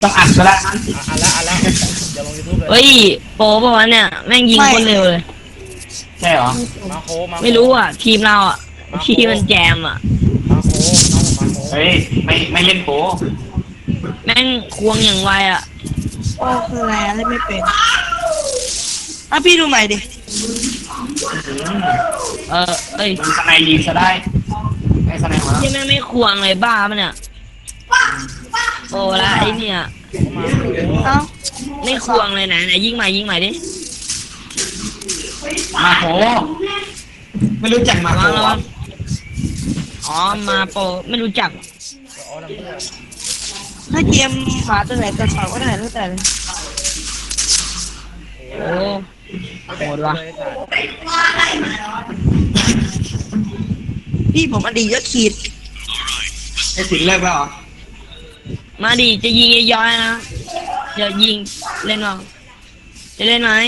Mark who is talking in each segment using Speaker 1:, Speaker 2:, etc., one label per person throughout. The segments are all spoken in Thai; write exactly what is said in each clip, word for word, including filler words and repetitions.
Speaker 1: ต้องอัดก็แล้วนั้น
Speaker 2: อ่ะอันละอันละเดี๋ยวลงยูทูบเลย
Speaker 3: เฮ้ยโปรป่ะวะเนี่ยแม่งยิงคนเร็วเลย
Speaker 1: ใช่เหรอ
Speaker 2: มาโคมาโค
Speaker 3: ไม่รู้อ่ะ ทีมเราอ่ะทีมมันแจมอ่ะ
Speaker 2: มาโคน้องผมมาโค
Speaker 1: เฮ้ยไม่ไม่เล่นโป
Speaker 3: แม่งควงอย่างไวอ่ะ
Speaker 4: โอ้คืออะไรอะไรไม่เป็นอ่ะพี่ดูใหม่ดิ
Speaker 3: เออเอ้ย
Speaker 1: มันสไนยิงซะได้ไอ้สไนมา
Speaker 3: ที่แม่งไม่ควงเลยบ้าปะเนี่ยโอ้ละไอเนี่ย
Speaker 2: มาโค
Speaker 4: เอ้า
Speaker 3: ไม่ควงเลยนะไหนยิงใหม่ยิงใหม่ดิ
Speaker 1: มาโผไม่รู้จักมา
Speaker 3: ระ
Speaker 1: โผ
Speaker 3: วังระวังอ๋อมาโปรไม่รู้จัก
Speaker 2: อ๋อทำเพื่อ
Speaker 4: ถ้าเกมหมาตัวไหนตัวเสาก็ได้ตั้งแต่เลย
Speaker 3: โอ้โหดว่ะ
Speaker 2: เลยสัตว์
Speaker 4: พี่ผมอดีตยศขีด
Speaker 1: ไอ้สิงเลิกแล้วเหรอ
Speaker 3: มาดิจะยิงย้อยๆนะจะยิงเล่นเปล่าจะเล่นไหม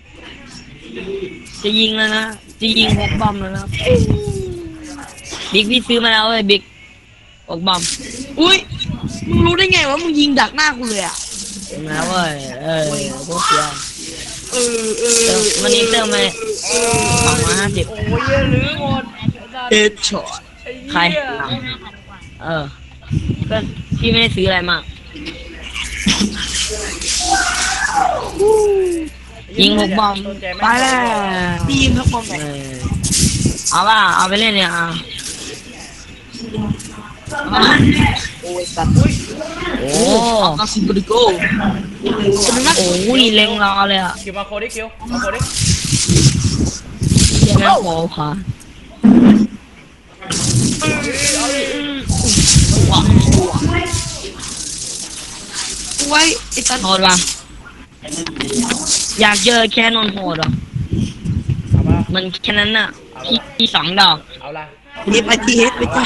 Speaker 3: จะยิงแล้วนะจะยิงหกบอมแล้วนะบิ๊กพี่ซื้อมาแล้วเว้ยบิ๊กหกบอม
Speaker 4: อุ้ยมึงรู้ได้ไงว่ามึงยิงดักหน้ากูเลยอ่ะ
Speaker 3: ซื้อมาแล้วเว้ยเออพวกเสีย
Speaker 4: เออเออ
Speaker 3: เติมวันนี้เติมไปสองร้อยห้าสิบ
Speaker 2: โอ้ยเยอะลืมหมด
Speaker 4: เอ็ดช็อต
Speaker 2: ไอ้
Speaker 3: ใคร
Speaker 2: เหี้ย
Speaker 3: เออก็พี่ไม่ได้ซื้ออะไรมากยิงหกบอม
Speaker 2: สนใจไหม
Speaker 4: ไปแล้วพี่ยิงทักบอมไหน
Speaker 3: เออเอาว่าเอาไปเล่นเนี่ยเอาเอา
Speaker 4: โอ้ยสัตว์
Speaker 3: โอ้
Speaker 4: อาซิบริโกเป็นนัก
Speaker 3: โอ้ยเล็งรอเลยอ่ะ
Speaker 2: คิวมาโคดิคิวมาโคดิ
Speaker 3: เชี่ยแม่งโผล่พา
Speaker 4: ไว้ไอ้สัตว์
Speaker 3: โหดว่ะอยากเจอแค่นนโหดอ่ะ
Speaker 2: เอามา
Speaker 3: มันแค่นั้นน่ะพี่พี่สองดอก
Speaker 2: เอาละ
Speaker 4: รีบไปทีเฮดไปจ้ะ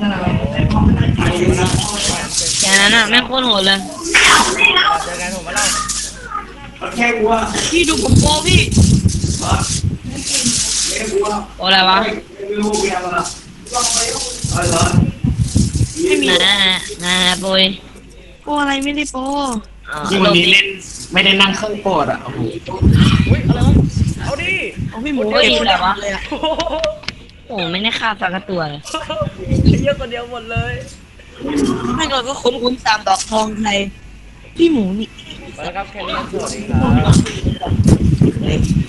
Speaker 3: แค่นั้นน่ะแม่งโคตรโหดเลย
Speaker 2: เจอกันผมมาเล่า
Speaker 1: แค่กูว่า
Speaker 4: พี่ดูผมโปรพี่
Speaker 3: โอ้อะไรวะ
Speaker 1: ไม่รู้เกี่ยวกับอะไรเหรอ
Speaker 4: ไม่มี
Speaker 3: น่าน่าปุย
Speaker 4: โปรอะไรไม่ได้โปร
Speaker 1: ที่วันนี้เล่นไม่ได้นั่งเครื่องโปรดอ่ะโอ้โห
Speaker 2: อุ้ยอะไรวะเอาดิ
Speaker 4: เอาพี่หมูเก็บตัวเดียวเลยอ่ะ
Speaker 2: โอ้โห
Speaker 3: โอ้ไม่ได้ฆ่าสักตัวเลย
Speaker 2: ไอ้เหี้ยคนเดียวหมดเลย
Speaker 4: ไม่ก่อนก็คุ้นคุ้นตามดอกทองไทยพี่หมูนี่
Speaker 2: มาแล้วครับแค่นี้สวัสดีครับ